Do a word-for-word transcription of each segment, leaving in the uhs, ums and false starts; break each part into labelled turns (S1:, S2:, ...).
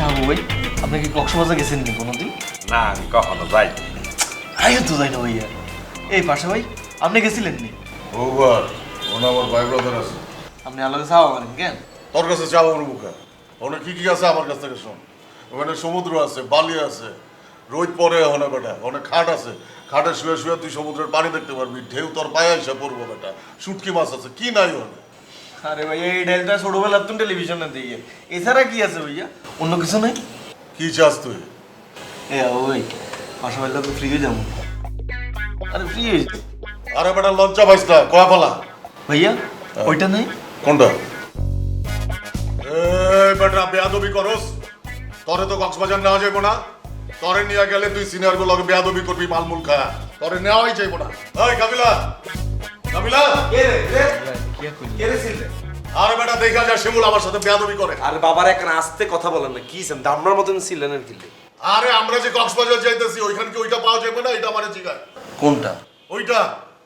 S1: হাবু ভাই, আপনি কি কক্সবাজার গেছেন নি কোনোদিন?
S2: না আমি কখনো যাই
S1: আমিও তো যাই না ভাইয়া। এই পাশা ভাই, আপনি গেছিলেন নি?
S3: ওভার ওনা আমার ভাই ব্রাদার আছে।
S1: আপনি আলাদা চাওয়া করেন কেন?
S3: তোর কাছে চাও ওর মুখে ওখানে কি কি আছে আমার কাছ থেকে শোন। ওখানে সমুদ্র আছে, বালি আছে, রোদ পরে ওখানে বেটা, ওখানে খাট আছে, খাটে শুয়ে শুয়ে তুই সমুদ্রের পানি দেখতে পারবি, ঢেউ তোর পায়ে এসে পড়বো বেটা, শুটকি মাছ আছে, কি নাই ওখানে।
S1: আরে ভাইয়া, এই ডাইলটা ছোটবেলার তুমি টেলিভিশনে দিয়ে, এছাড়া কি আছে ভাইয়া? অন্য কিছু নাই?
S3: কি চাস তুই?
S1: এ ওই পাশা ভাইলা তো ফ্রি হয়ে যাবো। আরে ফ্রি হয়েছে
S3: আরে বেটা লঞ্চা পাইস না, কয়া পালা
S1: ভাইয়া, ওইটা নাই?
S3: কোনটা? এই বেটা বেয়াদবি করস, তরে তো কক্সবাজার নেওয়া যাইব না, তরে নিয়ে গেলে তুই সিনিয়র গুলো বেয়াদবি করবি, মালমুল খায়া, তরে নেওয়াই যাইব না। এই কাবিলা, কাবিলা, আরে বেটা দেখা যায় শিমুল আমার সাথে বেয়াদবি করে।
S2: আরে বাবার এক আস্তে কথা বলেন না, কি দামনার মতন ছিলেন আর কি।
S3: আরে আমরা যে কক্সবাজার যাইতেছি ওইখান কি ওইটা পাওয়া যাবে না? এটা মানে জিগায়
S1: কোনটা?
S3: ওইটা।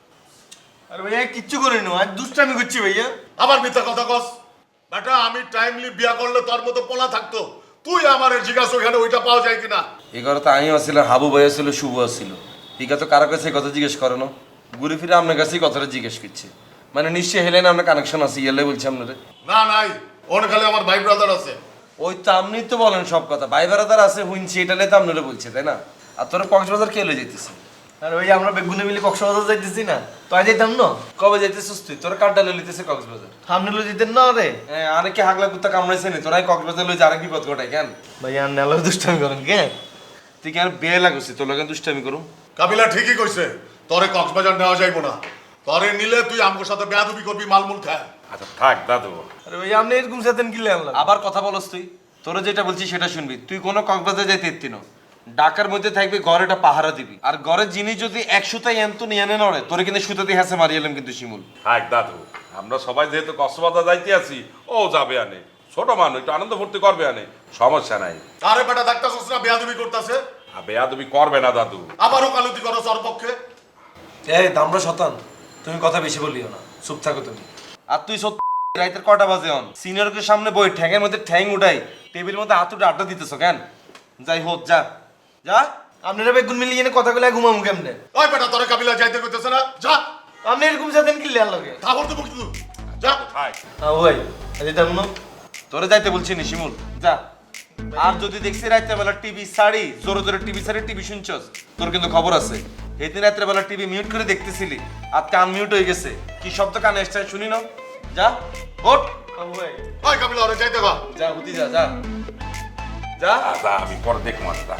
S1: আরে ভাইয়া কিচ্ছু করিনি, আজ দুষ্টামি করছি ভাইয়া।
S3: আবার মিথ্যা কথা কস বেটা, আমি টাইমলি বিয়া করলে তোর মতো পোলা থাকতো, তুই আমার জিজ্ঞাসা ওইখানে ওইটা পাওয়া যায় কিনা।
S4: এই কথা তো আমিও ছিল, হাবু ভাইয়া ছিল, শুভ ছিল। ঠিক আছে, কারো কাছে কথা জিজ্ঞেস করে না, ঘুরে ফিরে আপনার কাছেই কথাটা জিজ্ঞেস করছে। মানে নিশ্চয়ই হেলেন আপনার কানেকশন আছে, ইয়েলে বলছি আপনারে।
S3: না নাই, ওর খালি আমার ভাই ব্রাদার আছে।
S4: ওই তো আপনি তো বলেন সব কথা, ভাই বেড়াদার আছে হুইনছি, এটালে তো আপনারা বলছে, তাই না? আর তোরা কক্সবাজার কে লয়ে যেতেছে?
S1: আর ভাইয়া আমরা বেগুনে মিলে কক্সবাজার যাইতেছি না, তো আজ যাইতাম না।
S4: কবে যাইতেছিস তুই? তোরা কারটা লয়ে লিতেছে কক্সবাজার?
S1: সামনে লো যেতেন না রে।
S4: হ্যাঁ, আরে কি হাগলা কুত্তা কামড়াইছে নি? তোরাই কক্সবাজার লয়ে যারা বিপদ ঘটায় কেন?
S1: ভাইয়া আর নেলো দুষ্টামি করেন কেন?
S4: তুই কেন বিয়ে লাগুছি তোর লগে দুষ্টামি করুম?
S3: কাবিলা ঠিকই কইছে, তোরে কক্সবাজার নেওয়া যাইব না, তোরে নিলে তুই আমার সাথে বেয়াদবি করবি, মালমুল খায়।
S2: আচ্ছা থাক দাদু।
S1: আরে ভাইয়া আপনি এরকম সাথেন কি লেন?
S4: আবার কথা বলস তুই? তোরা যেটা বলছিস সেটা শুনবি। তুই কোনো কক্সবাজার যাইতে এত্তি না, ঢাকার মধ্যে থাকবি, ঘরে একটা পাহারা দিবি। আর ঘরের জিনিস যদি এক সুতাই এন্ত নিয়ে আনে নড়ে, তোরে কিন্তু সুতাতে হাসে মারি এলাম কিন্তু শিমুল।
S2: থাক দাদু, আমরা সবাই যেহেতু কক্সবাজার যাইতে আছি, ও যাবে আনে, ছোট মানুষ একটু আনন্দ ফুর্তি করবে আনে, সমস্যা নাই।
S3: আরে বেটা দেখতাছস না বেয়াদবি করতেছে,
S2: আর বেয়াদবি করবে না দাদু।
S3: আবারও কালুতি করো ওর পক্ষে।
S4: এই দামড়া শতান, তুমি কথা বেশি বলিও না, চুপ থাকো তুমি। আর তুই সত্যি রাইতের কটা বাজে অন সিনিয়রকে সামনে বই ঠ্যাঙের মধ্যে ঠ্যাং উঠাই, টেবিলের মধ্যে হাত উঠে আড্ডা দিতেছ কেন? যাই হোক, যা যা।
S1: আপনারা বেগুন মিলে এনে কথা বলে ঘুমামু কেমনে?
S3: ওই বেটা তোরে কাবিলা যাইতে কইতেছে না, যা।
S1: আপনি এরকম সাথেন কি লেন লাগে?
S3: তারপর তো বকতে যা।
S2: থাক।
S1: হ্যাঁ ভাই, আজ যাইতাম না।
S4: তোরে যাইতে বলছি নি শিমুল, যা। আর যদি দেখছি রাত্রে বেলা টিভি সারি জোরে জোরে টিভি সারি টিভি শুনছস, তোর কিন্তু খবর আছে। এই দিন রাত্রে বেলা টিভি মিউট করে দেখতেছিলি, আর কান মিউট হয়ে গেছে, কি শব্দ কানে এসছে শুনি না? যা ওঠ।
S1: হ্যাঁ ভাই,
S3: ওই কাবিলা ওরে যাইতে কর।
S4: যা হুতি যা, যা যা।
S2: আচ্ছা আমি পরে দেখবো আসতা।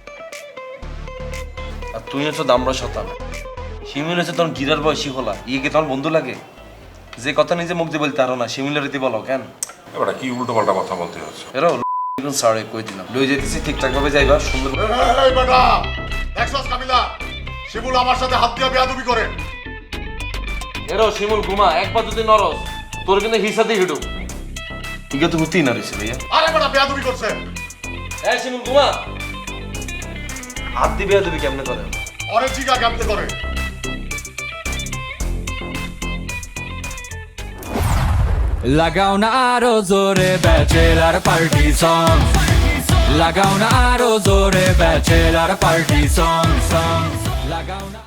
S4: আর তুই হচ্ছে দামড়া শতান, শিমুল হচ্ছে তোর গিরার বয়সী হলা, ইয়ে কি তোর বন্ধু লাগে? যে কথা নিজে মুখ দিয়ে বলতে আরো না, শিমুলের রীতি বলো কেন?
S2: এবার কি উল্টো পাল্টা কথা বলতে হচ্ছে।
S4: এরো সরি কই দিলাম, লই যেতেছি ঠিকঠাক ভাবে যাইবা, সুন্দর।
S3: এই বেটা দেখছস কাবিলা, শিমুল আমার সাথে হাত দিয়ে বেয়াদবি করে।
S4: এরো শিমুল ঘুমা, একবার যদি নরস তোর কিন্তু হিসাতে হিডু। ঠিক তো হতেই না রয়েছে ভাইয়া।
S3: আরে বেটা বেয়াদবি করছে।
S4: এই শিমুল ঘুমা। হাত দিবে তুমি কেমনে করে?
S3: ওরে জিগা কেমতে করে।
S5: লাগাও না আরো জোরে ব্যাচেলার পার্টি সং, লাগাও না আরো জোরে ব্যাচেলার পার্টি সং সং, লাগাও না।